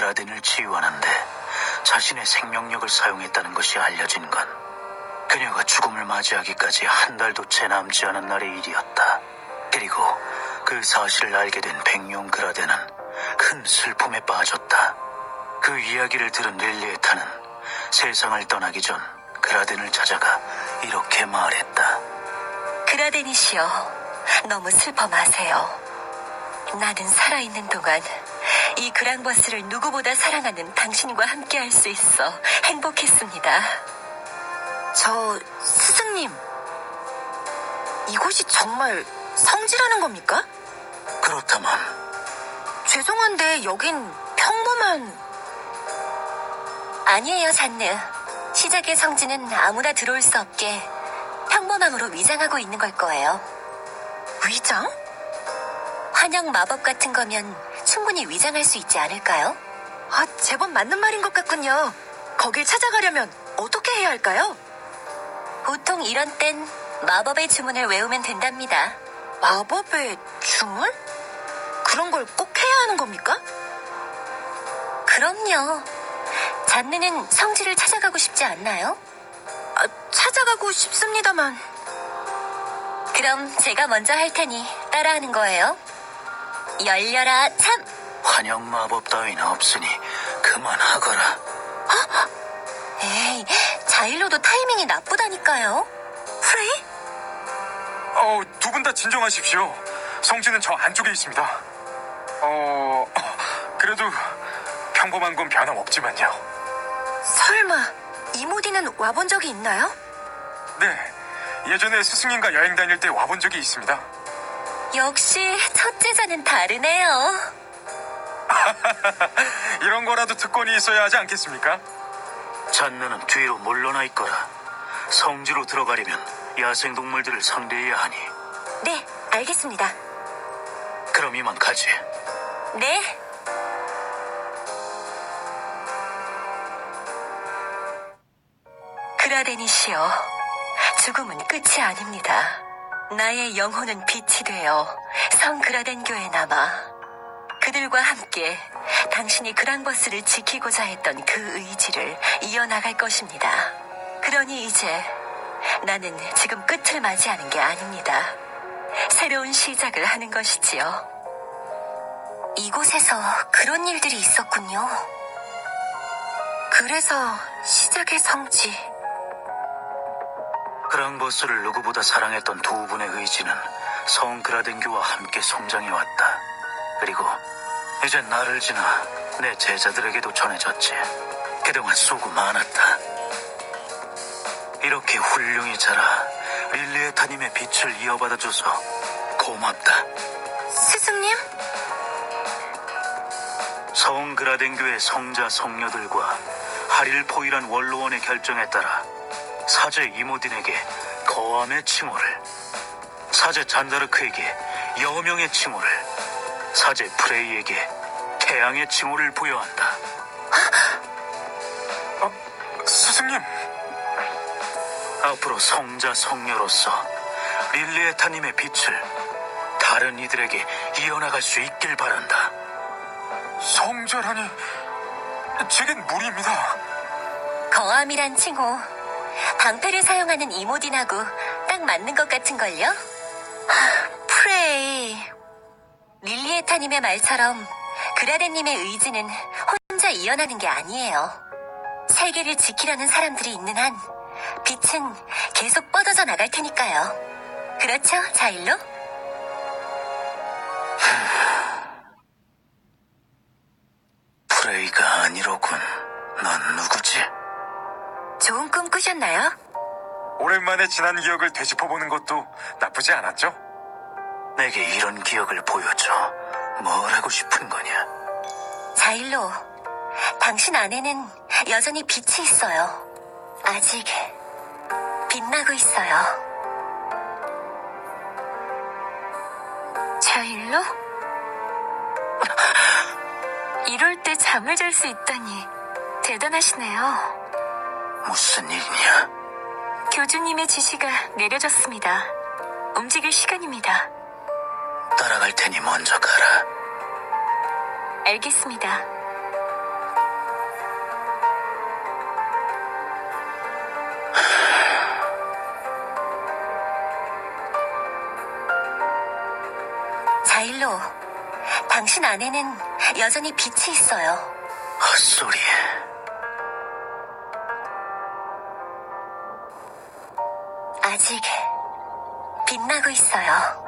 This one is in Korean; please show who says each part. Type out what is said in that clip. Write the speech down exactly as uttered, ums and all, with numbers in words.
Speaker 1: 그라덴을 치유하는데 자신의 생명력을 사용했다는 것이 알려진 건 그녀가 죽음을 맞이하기까지 한 달도 채 남지 않은 날의 일이었다. 그리고 그 사실을 알게 된 백룡 그라덴은 큰 슬픔에 빠졌다. 그 이야기를 들은 릴리에타는 세상을 떠나기 전 그라덴을 찾아가 이렇게 말했다.
Speaker 2: 그라덴이시여, 너무 슬퍼 마세요. 나는 살아있는 동안 이 그랑버스를 누구보다 사랑하는 당신과 함께 할 수 있어 행복했습니다.
Speaker 3: 저 스승님, 이곳이 정말 성지라는 겁니까?
Speaker 1: 그렇다면
Speaker 3: 죄송한데 여긴 평범한...
Speaker 2: 아니에요, 잔느. 시작의 성지는 아무나 들어올 수 없게 평범함으로 위장하고 있는 걸 거예요.
Speaker 3: 위장?
Speaker 2: 환영 마법 같은 거면 충분히 위장할 수 있지 않을까요?
Speaker 3: 아, 제법 맞는 말인 것 같군요. 거길 찾아가려면 어떻게 해야 할까요?
Speaker 2: 보통 이런 땐 마법의 주문을 외우면 된답니다.
Speaker 3: 마법의 주문? 그런 걸 꼭 해야 하는 겁니까?
Speaker 2: 그럼요. 잔느는 성지를 찾아가고 싶지 않나요?
Speaker 3: 아, 찾아가고 싶습니다만...
Speaker 2: 그럼 제가 먼저 할 테니 따라하는 거예요. 열려라 참!
Speaker 1: 환영 마법 따위는 없으니 그만하거라.
Speaker 2: 에이, 자일로도 타이밍이 나쁘다니까요.
Speaker 3: 프레이?
Speaker 4: 어, 두 분 다 진정하십시오. 성지는 저 안쪽에 있습니다. 어, 그래도 평범한 건 변함없지만요.
Speaker 3: 설마 이모디는 와본 적이 있나요?
Speaker 4: 네, 예전에 스승님과 여행 다닐 때 와본 적이 있습니다.
Speaker 2: 역시 첫째자는 다르네요.
Speaker 4: 이런 거라도 특권이 있어야 하지 않겠습니까?
Speaker 1: 잔느는 뒤로 물러나 있거라. 성지로 들어가려면 야생동물들을 상대해야 하니.
Speaker 2: 네, 알겠습니다.
Speaker 1: 그럼 이만 가지.
Speaker 2: 네. 그라덴이시여, 죽음은 끝이 아닙니다. 나의 영혼은 빛이 되어 성 그라덴 교에 남아 그들과 함께 당신이 그랑버스를 지키고자 했던 그 의지를 이어나갈 것입니다. 그러니 이제 나는 지금 끝을 맞이하는 게 아닙니다. 새로운 시작을 하는 것이지요. 이곳에서 그런 일들이 있었군요.
Speaker 3: 그래서 시작의 성지...
Speaker 1: 그랑버스를 누구보다 사랑했던 두 분의 의지는 성 그라덴교와 함께 성장해왔다. 그리고 이제 나를 지나 내 제자들에게도 전해졌지. 그동안 수고 많았다. 이렇게 훌륭히 자라 릴리에타님의 빛을 이어받아줘서 고맙다.
Speaker 3: 스승님?
Speaker 1: 성 그라덴교의 성자 성녀들과 하릴포이란 원로원의 결정에 따라 사제 이모딘에게 거함의 칭호를, 사제 잔다르크에게 여명의 칭호를, 사제 프레이에게 태양의 칭호를 부여한다.
Speaker 4: 어, 스승님.
Speaker 1: 앞으로 성자 성녀로서 릴리에타님의 빛을 다른 이들에게 이어나갈 수 있길 바란다.
Speaker 4: 성자라니, 제겐 무리입니다.
Speaker 2: 거함이란 칭호, 방패를 사용하는 이모딘하고 딱 맞는 것 같은걸요?
Speaker 3: 프레이...
Speaker 2: 릴리에타님의 말처럼 그라덴님의 의지는 혼자 이어나는 게 아니에요. 세계를 지키려는 사람들이 있는 한 빛은 계속 뻗어져 나갈 테니까요. 그렇죠, 자일로?
Speaker 1: 프레이가 아니로군. 넌 누구지?
Speaker 3: 좋은 꿈 꾸셨나요?
Speaker 4: 오랜만에 지난 기억을 되짚어보는 것도 나쁘지 않았죠?
Speaker 1: 내게 이런 기억을 보여줘. 뭘 하고 싶은 거냐?
Speaker 2: 자일로, 당신 안에는 여전히 빛이 있어요. 아직 빛나고 있어요.
Speaker 3: 자일로? 이럴 때 잠을 잘 수 있다니 대단하시네요.
Speaker 1: 무슨 일이냐?
Speaker 3: 교주님의 지시가 내려졌습니다. 움직일 시간입니다.
Speaker 1: 따라갈 테니 먼저 가라.
Speaker 3: 알겠습니다.
Speaker 2: 다일로, 당신 안에는 여전히 빛이 있어요.
Speaker 1: 헛소리.
Speaker 2: 아직 빛나고 있어요.